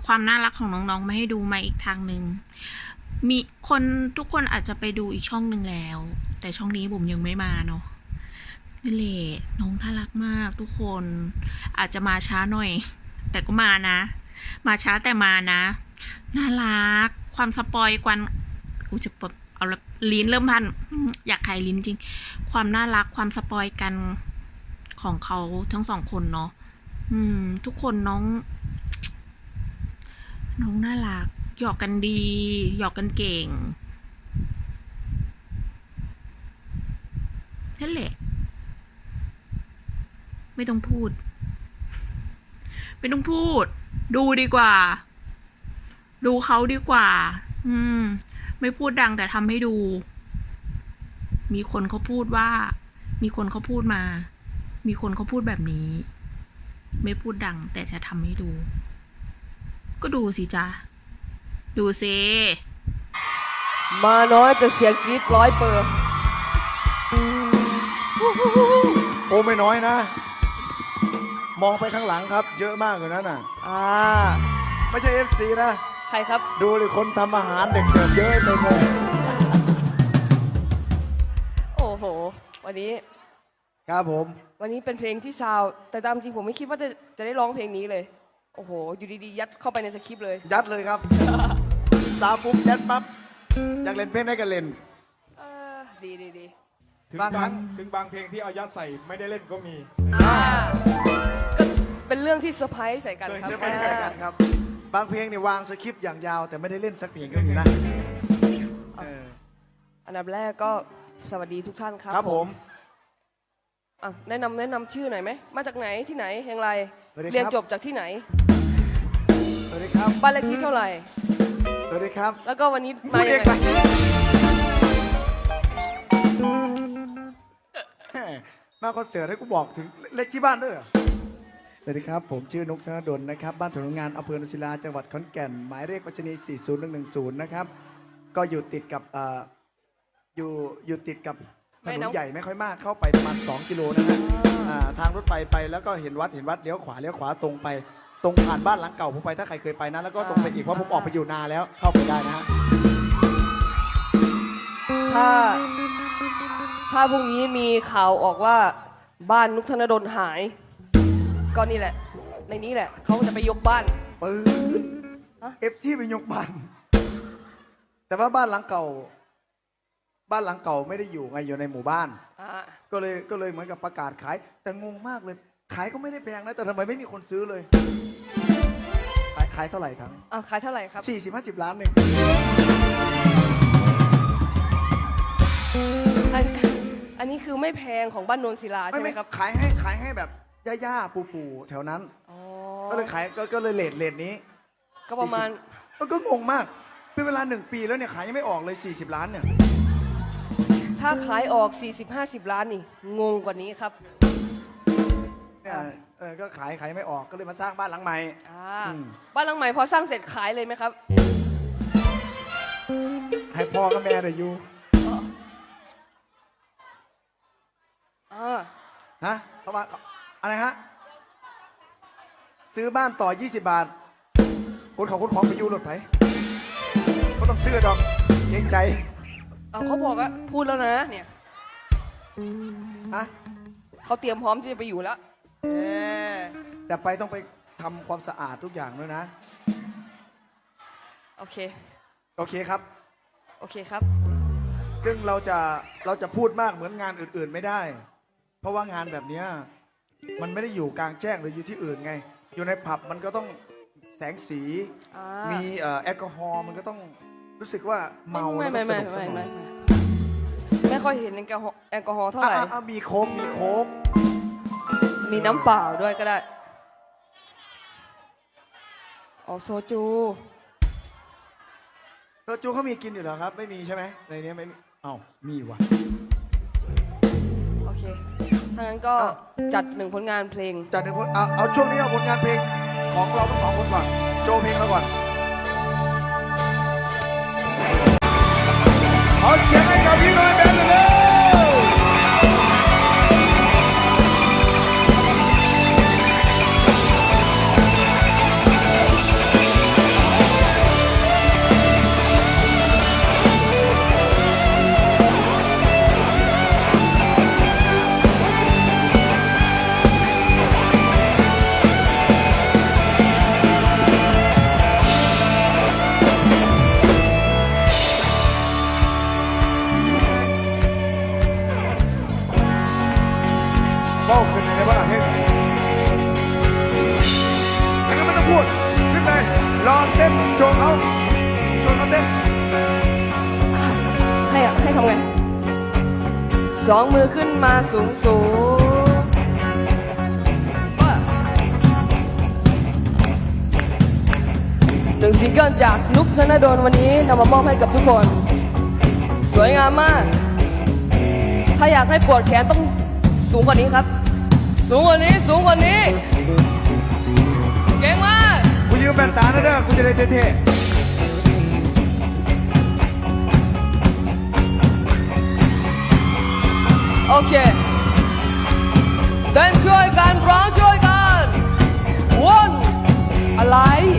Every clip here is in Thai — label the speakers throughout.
Speaker 1: ความน่ารักของน้องๆมาให้ดูมาอีกทางหนึ่งมีคนทุกคนอาจจะไปดูอีกช่องหนึ่งแล้ว แต่ช่องนี้ผมยังไม่มาเนาะนี่แหละน้องน่ารักมากทุกคนอาจจะมาช้าหน่อย แต่ก็มานะ มาช้าแต่มานะน่ารักความสปอยกวนจะเอาละลิ้นเริ่มพันอยากขายลิ้นจริงความน่ารักความสปอยกันของเขาทั้งสองคนเนาะทุกคนน้องน่ารักหยอกกันดีหยอกกันเก่งนั่นแหละไม่ต้องพูดไม่ต้องพูดดูดีกว่าดูเขาดีกว่าไม่พูดดังแต่ทำให้ดูมีคนเขาพูดว่ามีคนเขาพูดมามีคนเขาพูดแบบนี้ไม่พูดดังแต่จะทำให้ดูก็ดูสิจ๊ะดูสิ
Speaker 2: มาน้อยแต่เสียงกรี๊ด100%
Speaker 3: โอ้ไม่น้อยนะมองไปข้างหลังครับเยอะมากอยู่นั่นน่ะไม่ใช่ FC นะ
Speaker 2: ใครครับ
Speaker 3: ดูดิคนทำอาหารเด็กเสิร์ฟเยอะเต็มเลย
Speaker 2: โอ้โหวันนี้
Speaker 3: ครับผม
Speaker 2: วันนี้เป็นเพลงที่ซาวแต่ตามจริงผมไม่คิดว่าจะได้ร้องเพลงนี้เลยโอ้โหอยู่ดีๆยัดเข้าไปในสคริปต์เลย
Speaker 3: ยัดเลยครับซาวปุ๊บยัดปั๊บอยากเล่นเพลงได้ก็เล่น
Speaker 2: ดี
Speaker 4: ถึงบางเพลงที่เอายัดใส่ไม่ได้เล่นก็มี
Speaker 2: ก็เป็นเรื่องที่เซอร์ไพรส์ใส่กันครับ
Speaker 3: เซอร์ไพรส์ใส่กันครับบางเพลงเนี่ยวางสคริปต์อย่างยาวแต่ไม่ได้เล่นสักเพลงก็มีนะ
Speaker 2: อันดับแรกก็สวัสดีทุกท่านครับ
Speaker 3: ครับผม
Speaker 2: แนะนำชื่อหน่อยไหมมาจากไหนที่ไหนอย่างไรเรียนจบจากที่ไหน
Speaker 3: สวัสดีครับ
Speaker 2: บ้านเลขที่เท่าไหร่
Speaker 3: สวัสดีครับ
Speaker 2: แล้วก็วันนี้มาอย่างไร
Speaker 3: มาคอนเสิร์ตให้กูบอกถึงเลขที่บ้านด้วยสวัสดีครับผมชื่อนุกธนดลนะครับบ้านถนนงานอำเภอนุศิลาจังหวัดขอนแก่นหมายเลขไปรษณีย์40110นะครับก็อยู่ติดกับอยู่ติดกับถนนใหญ่ไม่ค่อยมากเข้าไปประมาณ2 กิโลนะฮะทางรถไฟไปแล้วก็เห็นวัดเลี้ยวขวาตรงไปตรงผ่านบ้านหลังเก่าผมไปถ้าใครเคยไปนะแล้วก็ตรงไปอีกเพราะผมออกไปอยู่นาแล้วเข้าไปได้นะฮะ
Speaker 2: ถ้าพรุ่งนี้มีข่าวออกว่าบ้านนุกธนดลหายก็นี่แหละในนี้แหละเขาจะไปยกบ้าน
Speaker 3: ที่ไปยกบ้านแต่ว่าบ้านหลังเก่าไม่ได้อยู่ไงอยู่ในหมู่บ้านก็เลยเหมือนกับประกาศขายแต่งงมากเลยขายก็ไม่ได้แพงนะแต่ทำไมไม่มีคนซื้อเลยขายเท่าไหร่ครับ
Speaker 2: ขายเท่าไหร่ครับ
Speaker 3: 40-50 ล้านเอง
Speaker 2: อันนี้คือไม่แพงของบ้านโนนศิลาใช่ไหมครับ
Speaker 3: ขายให้แบบย่าปู่แถวนั้นก็เลยขายก็เลยเลทนี้
Speaker 2: ก็ประมาณ
Speaker 3: ก็งงมากเป็นเวลา1 ปีแล้วเนี่ยขายยังไม่ออกเลย40 ล้านเนี่ย
Speaker 2: ถ้าขายออก40-50 ล้านนี่งงกว่านี้ครับ
Speaker 3: เนี่ยก็ขายไม่ออกก็เลยมาสร้างบ้านหลังใหม่
Speaker 2: บ้านหลังใหม่พอสร้างเสร็จขายเลยไหมครับ
Speaker 3: ให้พ่อกับแม่ได้อยู่ฮะเข้ามาอะไรฮะซื้อบ้านต่อ20 บาทคนของไปอยู่รถไถก็ต้องซื้อดอกเกรงใจ
Speaker 2: เขาบอกว่าพูดแล้วนะเนี่ยเขาเตรียมพร้อมที่จะไปอยู่แล้ว
Speaker 3: แต่ไปต้องไปทำความสะอาดทุกอย่างด้วยนะ
Speaker 2: โอเค
Speaker 3: ครับซึ่งเราจะพูดมากเหมือนงานอื่นๆไม่ได้เพราะว่างานแบบนี้มันไม่ได้อยู่กลางแจ้งหรืออยู่ที่อื่นไงอยู่ในผับมันก็ต้องแสงสีมีแอลกอฮอล์มันก็ต้องรู้สึกว่าเมาแล้วก็สนุกสนาน
Speaker 2: ไม่ค่อยเห็นแอลกอฮอล์เท่าไหร่
Speaker 3: มีโค้ก
Speaker 2: มีน้ำเปล่าด้วยก็ได้โซจู
Speaker 3: เขามีกินอยู่เหรอครับไม่มีใช่ไหมในนี้ไม่มีมีว่ะ
Speaker 2: โอเคถ้างั้นก็จัด1 ผลงานเพลง
Speaker 3: จัด1 ผลเอาช่วงนี้เอาผลงานเพลงของเราทั้ง2 คนก่อนโจเพลงเราก่อนขอเสียงให้กับพี่น้อยแบนด์เลย
Speaker 2: ให้ทำไงสองมือขึ้นมาสูงสูงหนึ่งซิงเกิลจากนุกธนดลวันนี้นำมามอบให้กับทุกคน สวยงามมาก ถ้าอยากให้ปวดแขนต้องสูงกว่านี้ครับ สูงกว่านี้สูงกว่านี้ เก่งมาก
Speaker 3: กูยืมแว่นตานะเด้อกูจะได้เท่
Speaker 2: โอเคเต้นช่วยกันร้องช่วยกันวนอะไร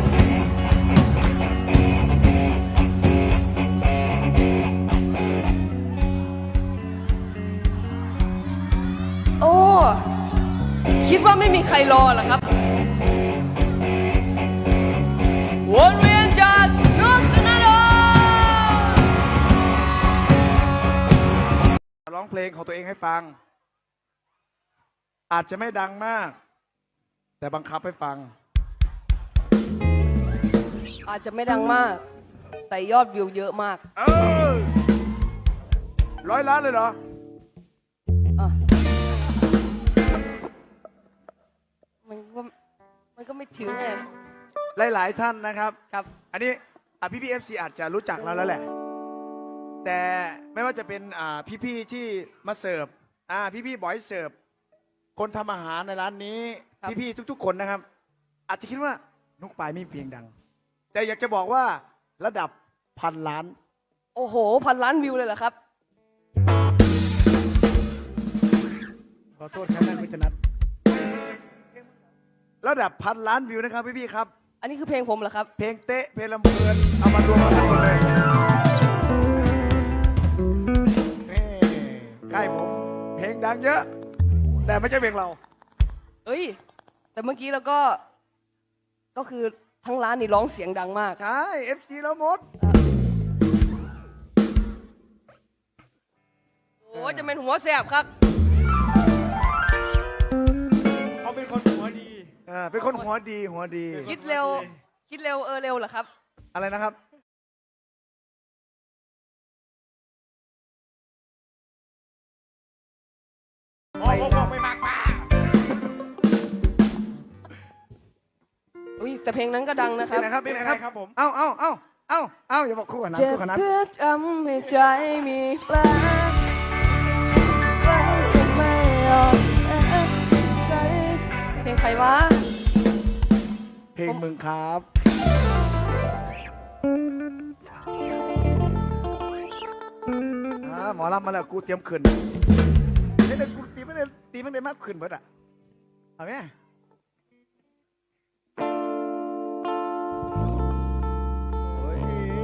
Speaker 2: โอ้ คิดว่าไม่มีใครรอเหรอครับ วนเวียนจากนุกธนดล
Speaker 3: ๆร้องเพลงของตัวเองให้ฟัง อาจจะไม่ดังมาก แต่บังคับให้ฟัง
Speaker 2: อาจจะไม่ดังมาก แต่ยอดวิวเยอะมาก
Speaker 3: เออ100 ล้านเลยเหรอ
Speaker 2: อ่ะมันก็ไม่ถึงไง
Speaker 3: หลายๆท่านนะครับ
Speaker 2: ครับ
Speaker 3: อันนี้พี่เอฟซีอาจจะรู้จักเราแล้วแหละ แต่ไม่ว่าจะเป็นพี่ๆที่มาเสิร์ฟพี่ๆบอยเสิร์ฟคนทำอาหารในร้านนี้
Speaker 2: ครับ
Speaker 3: พี่ๆทุกๆคนนะครับ อาจจะคิดว่านุกปายไม่มีเพลงดัง แต่อยากจะบอกว่าระดับ1,000 ล้าน
Speaker 2: โอ้โห1,000 ล้านวิวเลยเหรอครับ
Speaker 3: ขอโทษครับท่านผู้ชนัดระดับ1,000 ล้านวิวนะครับพี่ๆครับ
Speaker 2: อันนี้คือเพลงผมเหรอครับ
Speaker 3: เพลงเตะเพลงลำเพลินเอามารวมกันหมดเลยนี่ค่ายผมเพลงดังเยอะ แต่ไม่ใช่เพลงเรา
Speaker 2: เอ้ย แต่เมื่อกี้เราก็คือทั้งร้านนี่ร้องเสียงดังมาก
Speaker 3: ใช่ FC แล้วหมด
Speaker 2: โอ้จะเป็นหัวแสบครับ
Speaker 4: เขาเป็นคนหัวดี
Speaker 3: เป็นคนหัวดีหัวดี
Speaker 2: คิดเร็ว คิดเร็วเร็วเหรอครับ
Speaker 3: อะไรนะครับ
Speaker 4: โอ้โหไม่มากมา
Speaker 2: อุ้ยแต่เพลงนั้นก็ดังนะค
Speaker 3: เป็
Speaker 2: รั
Speaker 3: น
Speaker 2: บ
Speaker 3: ไหนครับเป็นไหนครับ
Speaker 4: ครับผม
Speaker 3: เอ้าอย่าบอกคู่กันนะ
Speaker 2: เจ็บ
Speaker 3: คู่กันนะ
Speaker 2: เพื่อทำให้ใจมีแผลจะไม่ยอมใจเพลงใครวะ
Speaker 3: เพลงมึงครับหมอลำมาแล้วกูเตรียมขึ้นนี่เด็กกูตีไม่ได้มากขึ้นเบิดอ่ะเอาไหมโอ้ย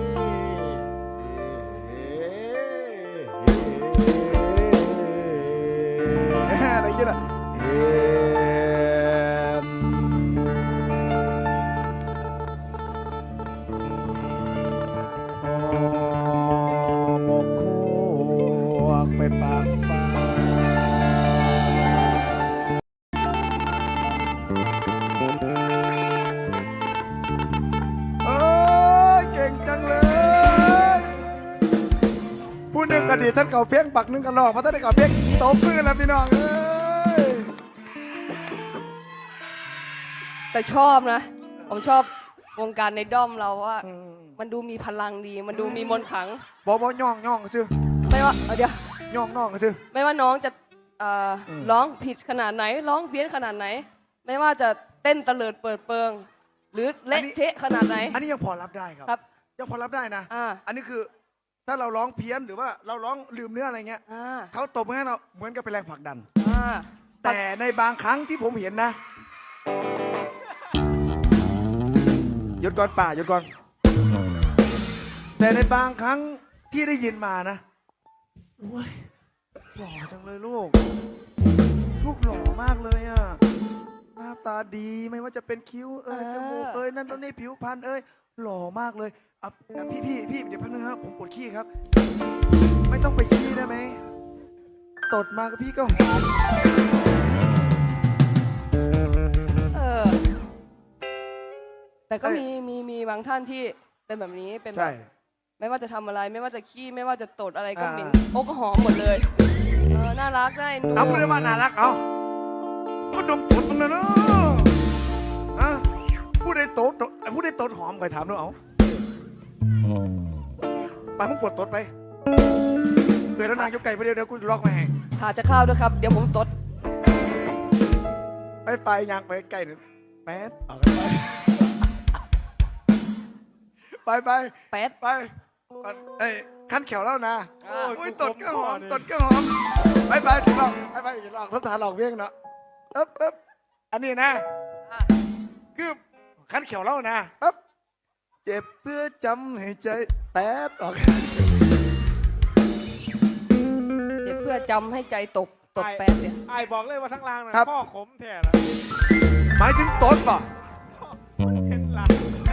Speaker 3: อะไรกันอ่ะหมกควกไปปากฟ้าเอ้ยเก่งจังเลยผู้หนึ่งก็ดีท่านเก่าเพียงปักหนึ่งก็หลอกมาท่านได้เก่าเพียงตบมือแล้วพี่น้องเอ้ย
Speaker 2: แต่ชอบนะ ผมชอบวงการในด้อมเราเพราะว่า มันดูมีพลังดี มันดูมีมนต์ขลัง
Speaker 3: บย่องซื้อ
Speaker 2: ไม่ว่าเดี๋ยว
Speaker 3: ย่องน้องซื้อ
Speaker 2: ไม่ว่าน้องจะร้องผิดขนาดไหน ร้องเพี้ยนขนาดไหน ไม่ว่าจะเต้นเตลิดเปิดเปิง หรือเละเทะขนาดไหน
Speaker 3: อันนี้ยังพอรับได้ครับ
Speaker 2: ครับ
Speaker 3: ยังพอรับได้นะ อันนี้คือถ้าเราร้องเพี้ยนหรือว่าเราร้องลืมเนื้ออะไรเงี้ย
Speaker 2: อ่า
Speaker 3: เขาตบมือให้เราเหมือนกับเป็นแรงผลักดัน
Speaker 2: อ่า
Speaker 3: แต่ในบางครั้งที่ผมเห็นนะหยุดก่อนป่าหยุดก่อน แต่ในบางครั้งที่ได้ยินมานะโอ้ยหล่อจังเลยลูกหล่อมากเลยอ่ะหน้าตาดีไม่ว่าจะเป็นคิ้วจมูกนั่นตรงนี้ผิวพรรณหล่อมากเลยพี่เดี๋ยวพักนึงครับผมปวดขี้ครับ ไม่ต้องไปขี้ได้ไหมตดมากับพี่ก็หอม
Speaker 2: แต่ก็มีบางท่านที่เป็นแบบนี้เป็นแบ
Speaker 3: ใช่
Speaker 2: บไม่ว่าจะทำอะไรไม่ว่าจะขี้ไม่ว่าจะตดอะไรก็เหม็น
Speaker 3: อ่า
Speaker 2: โอ้ก็หอมหมดเลยน่ารักได้ดู
Speaker 3: เอาพูดได้ว่าน่ารักเอาก็ดมตดมันนะเนาะอ่ะพูดได้ตดหอมคอยถามด้วยเอาไปมึงปวดตดไปเดี๋ยวแล้วนางยกไก่ไปเดี๋ยวกูล็อกมาให้
Speaker 2: ถ่าจะเข้าวด้วยครับ เดี๋ยวผมตด
Speaker 3: ไปยางไปใกล้หนึ่งแป๊ดเอาไป
Speaker 2: แป๊ด
Speaker 3: ไปเอ้ยขั้นแขวแล้วนะ
Speaker 2: อ่า
Speaker 3: โอ้ยตดก็หอมไปถึงหลอกไปหลอกทบทานหลอกเวียงเนาะเอ๊บอันนี้นะ
Speaker 2: อ่ะ
Speaker 3: คือขั้นแขวแล้วนะเอ๊บเจ็บเพื่อจำให้ใจแป๊ดออก
Speaker 2: เดี๋ยวเพื่อจำให้ใจตกแป๊ดเนี่ย
Speaker 4: ไอ้บอกเลยว่าทั้งรางนะครับ ข้อขมแท้นะ
Speaker 3: หมายถึงตดป่ะ
Speaker 4: เห็นหลัง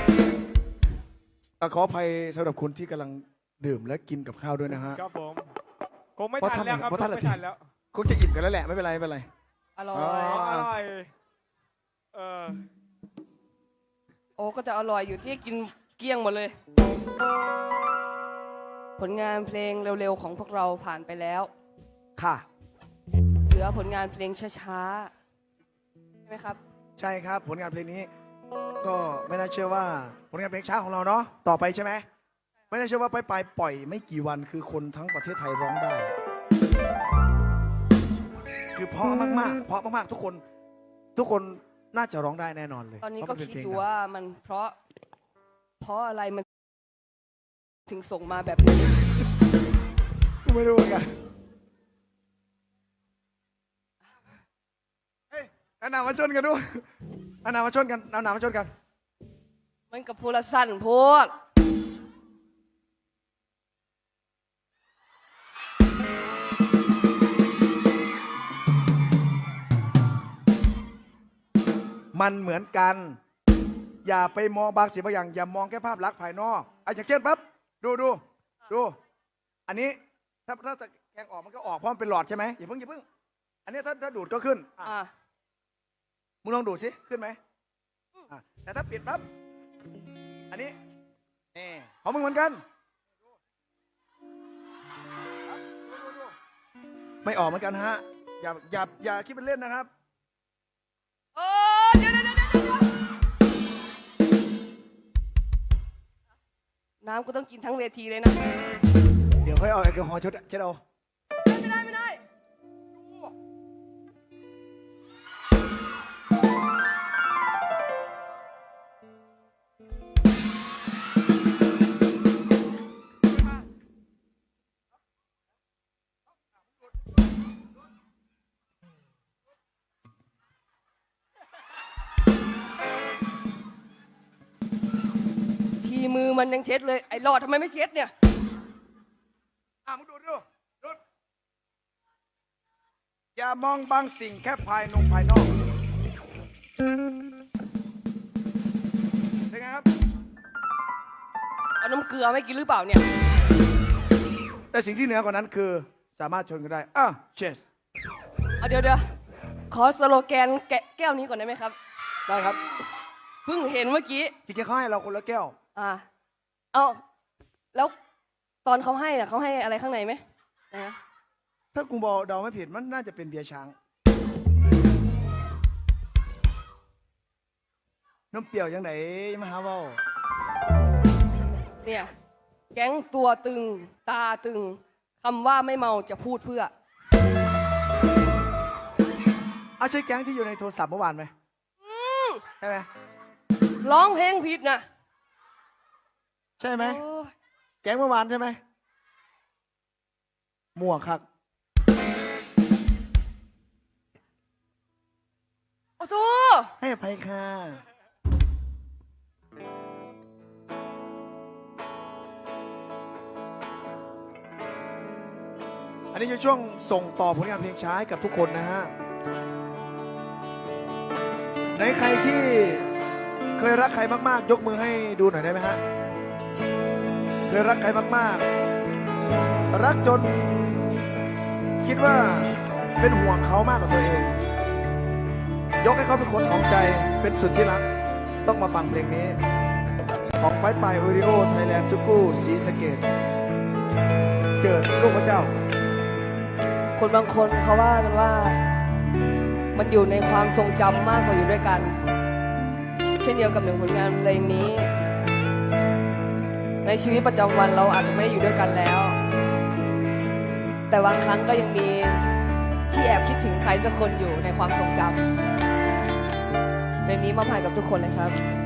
Speaker 3: ขออภัยสำหรับคุณที่กำลังดื่มและกินกับข้าวด้วยนะฮะ
Speaker 4: ครับผมคงไม่ทันแล้วครับ
Speaker 3: เพราะท่าน
Speaker 4: ไม่ทันแล้ว
Speaker 3: คงจะอิ่มกันแล้วแหละไม่เป็นไร
Speaker 2: อร่อ
Speaker 3: อ๋
Speaker 2: ย
Speaker 3: อ
Speaker 4: อร่อย
Speaker 2: โอ้ก็จะอร่อยอยู่ที่กินเกลี้ยงหมดเลย ผลงานเพลงเร็วๆของพวกเราผ่านไปแล้ว
Speaker 3: ค่ะ
Speaker 2: เหลือผลงานเพลงช้าๆใช่ไหมครับ
Speaker 3: ใช่ครับผลงานเพลงนี้ ก็ไม่น่าเชื่อว่าผลงานเพลงช้าของเราเนาะต่อไปใช่ไหมไม่น่าเชื่อว่าไปปล่อยไม่กี่วันคือคนทั้งประเทศไทยร้องได้ คือเพราะมากๆทุกคนน่าจะร้องได้แน่นอนเลย
Speaker 2: ตอนนี้
Speaker 3: เพ
Speaker 2: ก็
Speaker 3: ราะมัเป็
Speaker 2: คิด
Speaker 3: เพลง
Speaker 2: ดู
Speaker 3: ดัง
Speaker 2: ว่ามันเพราะอะไรมันถึงส่งมาแบบนี้
Speaker 3: กูไม่รู้เหมือนกันเฮ้ยเอาหนามาชนกันด้วยเอาหนามาชนกัน
Speaker 2: มันกับพูละสั้นโพด
Speaker 3: มันเหมือนกัน อย่าไปมองบางสิ่งบางอย่าง อย่ามองแค่ภาพลักษณ์ภายนอกอย่างเช่นปั๊บดู อันนี้ถ้าจะแกงออกมันก็ออกเพราะมันเป็นหลอดใช่ไหมอย่าเพิ่ง อันนี้ถ้าดูดก็ขึ้นอ่ะ
Speaker 2: อ่ะ
Speaker 3: มึงลองดูดสิขึ้นไหมอ่ะแต่ถ้าปิดปั๊บอันนี้นี่ของมึงเหมือนกันดูไม่ออกเหมือนกันฮะอย่าคิดเป็นเล่นนะครับ
Speaker 2: โอ้เดี๋ยวน้ำก็ต้องกินทั้งเวทีเลยนะ
Speaker 3: เดี๋ยวค่อยเอาแอลกอฮอล์เช็ดเอา
Speaker 2: ไม่ได้ ทีมือมันยังเช็ดเลย ไอ้หลอดทำไมไม่เช็ดเนี่ย
Speaker 3: มึงดูอย่ามองบางสิ่งแค่ภายนอกเป็นไงครับ
Speaker 2: เอาน้ำเกลือไม่กินหรือเปล่าเนี่ย
Speaker 3: แต่สิ่งที่เหนือกว่านั้นคือสามารถชนกันได้เชส
Speaker 2: เอาเดี๋ยวขอสโลแกนแก้วนี้ก่อนได้ไหมครับ
Speaker 3: ได้ครับ
Speaker 2: เพิ่งเห็นเมื่อกี้
Speaker 3: จริงๆเขาให้เราคนละแก้ว
Speaker 2: เอาแล้วตอนเขาให้น่ะเขาให้อะไรข้างในไหมนะ
Speaker 3: ถ้ากูบอกเดาไม่ผิดมันน่าจะเป็นเบียร์ช้างน้ำเปรี้ยวยังไหนมาหาเว่า
Speaker 2: เนี่ย แก๊งตัวตึงตาตึงคำว่าไม่เมาจะพูดเพื่อ
Speaker 3: เอาใช่แก๊งที่อยู่ในโทรศัพท์เมื่อวานไหมใช่ไหม
Speaker 2: ร้องเพลงผิดนะ
Speaker 3: ใช่ไหม
Speaker 2: โอ้ย
Speaker 3: แก๊งเมื่อวานใช่ไหมมั่วคัก
Speaker 2: โอ้โห
Speaker 3: ให้อภัยค่ะอันนี้จะช่วงส่งต่อผลงานเพลงช้าให้กับทุกคนนะฮะในใครที่เคยรักใครมากๆยกมือให้ดูหน่อยได้ไหมฮะเคยรักใครมากๆรักจนคิดว่าเป็นห่วงเขามากกว่าตัวเองยกให้เขาเป็นคนของใจเป็นสุดที่รักต้องมาฟังเพลงนี้ออกไปไปโอริโอไทยแลนด์จุกูศรีสะเกดเจิดลูกพระเจ้า
Speaker 2: คนบางคนเขาว่ากันว่า มันอยู่ในความทรงจำมากกว่าอยู่ด้วยกัน เช่นเดียวกับหนึ่งผลงานเพลงนี้ ในชีวิตประจำวันเราอาจจะไม่ได้อยู่ด้วยกันแล้ว แต่บางครั้งก็ยังมีที่แอบคิดถึงใครสักคนอยู่ในความทรงจำเพลงนี้มอบให้กับทุกคนเลยครับ